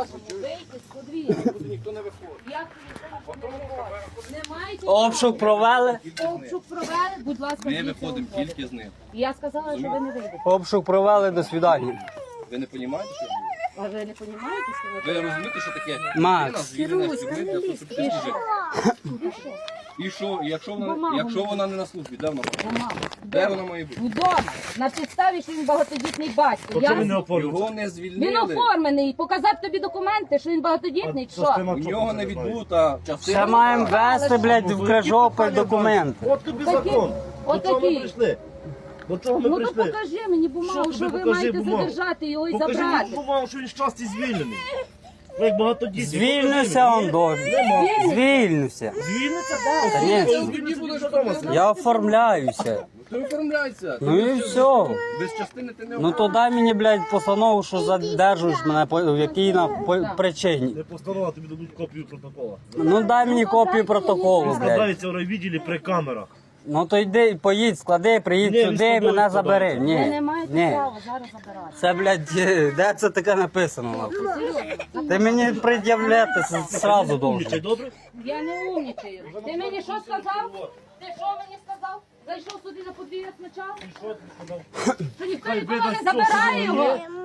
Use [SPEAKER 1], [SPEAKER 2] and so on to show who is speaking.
[SPEAKER 1] можемо вийти з подвір'я.
[SPEAKER 2] Ніхто не виходить.
[SPEAKER 1] Як ви ніхто не виходить? Не маєте
[SPEAKER 3] Обшук провели?
[SPEAKER 1] обшук провели, будь ласка,
[SPEAKER 2] Ми
[SPEAKER 1] звідси
[SPEAKER 2] виходимо
[SPEAKER 1] виходите.
[SPEAKER 2] тільки з ним.
[SPEAKER 1] Я сказала, що ви не вийдете.
[SPEAKER 3] Обшук провели, до свидання.
[SPEAKER 2] Ви не розумієте, що робите?
[SPEAKER 1] А ви не розумієте, що
[SPEAKER 2] Ви
[SPEAKER 1] ви
[SPEAKER 2] розумієте, що таке?
[SPEAKER 3] Макс.
[SPEAKER 2] Людина звільнена з тюрми для того, щоб піти служити. І що? Якщо вона не на службі, де вона? Де вона має бути?
[SPEAKER 1] Вдома, на підставі, що він багатодітний батько.
[SPEAKER 2] Його не
[SPEAKER 1] Він
[SPEAKER 2] звільнили.
[SPEAKER 1] оформлений, показав тобі документи, що він багатодітний, що?
[SPEAKER 2] У нього не відбута
[SPEAKER 3] Ще
[SPEAKER 2] частина.
[SPEAKER 3] маємо вести, блядь, в Крижопіль документи.
[SPEAKER 4] От тобі
[SPEAKER 1] Такі-
[SPEAKER 4] закон. До чого ми
[SPEAKER 1] отакі.
[SPEAKER 4] прийшли? До чого ми
[SPEAKER 1] Ну то
[SPEAKER 4] прийшли?
[SPEAKER 1] покажи мені бумагу,
[SPEAKER 4] Що
[SPEAKER 1] що
[SPEAKER 4] тобі
[SPEAKER 1] ви
[SPEAKER 4] покажи
[SPEAKER 1] маєте
[SPEAKER 4] бумагу?
[SPEAKER 1] задержати його і
[SPEAKER 4] Покажи
[SPEAKER 1] забрати.
[SPEAKER 4] мені бумагу, що він щасті звільнений. Ви як багатодітні.
[SPEAKER 3] Звільнився он до. Звільнився.
[SPEAKER 4] Звільниться?
[SPEAKER 3] Конечно.
[SPEAKER 2] Тоді будеш вдома сидіти.
[SPEAKER 3] Я оформляюся.
[SPEAKER 2] Ти оформляйся.
[SPEAKER 3] Ну і все.
[SPEAKER 2] Без частини ти не
[SPEAKER 3] Ну то дай мені, блядь, постанову, що задержуєш мене, в якій причині.
[SPEAKER 4] Не постанова, тобі дадуть копію протокола.
[SPEAKER 3] Ну дай мені копію протоколу, блядь.
[SPEAKER 4] Складається в райвідділі при камерах.
[SPEAKER 3] Ну то йди, поїдь, склади, приїдь
[SPEAKER 4] Ні, він
[SPEAKER 3] сюди і
[SPEAKER 4] складає,
[SPEAKER 3] мене забери.
[SPEAKER 4] складає.
[SPEAKER 3] Ні,
[SPEAKER 1] Ви не маєте
[SPEAKER 3] ні.
[SPEAKER 1] права зараз забирати.
[SPEAKER 3] Це, блядь, де це таке написано? нахуй? Ти мені пред'являти зразу должен.
[SPEAKER 4] Умнічай, добре?
[SPEAKER 1] Я не умнічаю. Ти мені що сказав? Ти що мені сказав? Зайшов сюди на подвір'я спочатку?
[SPEAKER 4] Що ти сказав?
[SPEAKER 1] Що ніхто нікого не забирає його?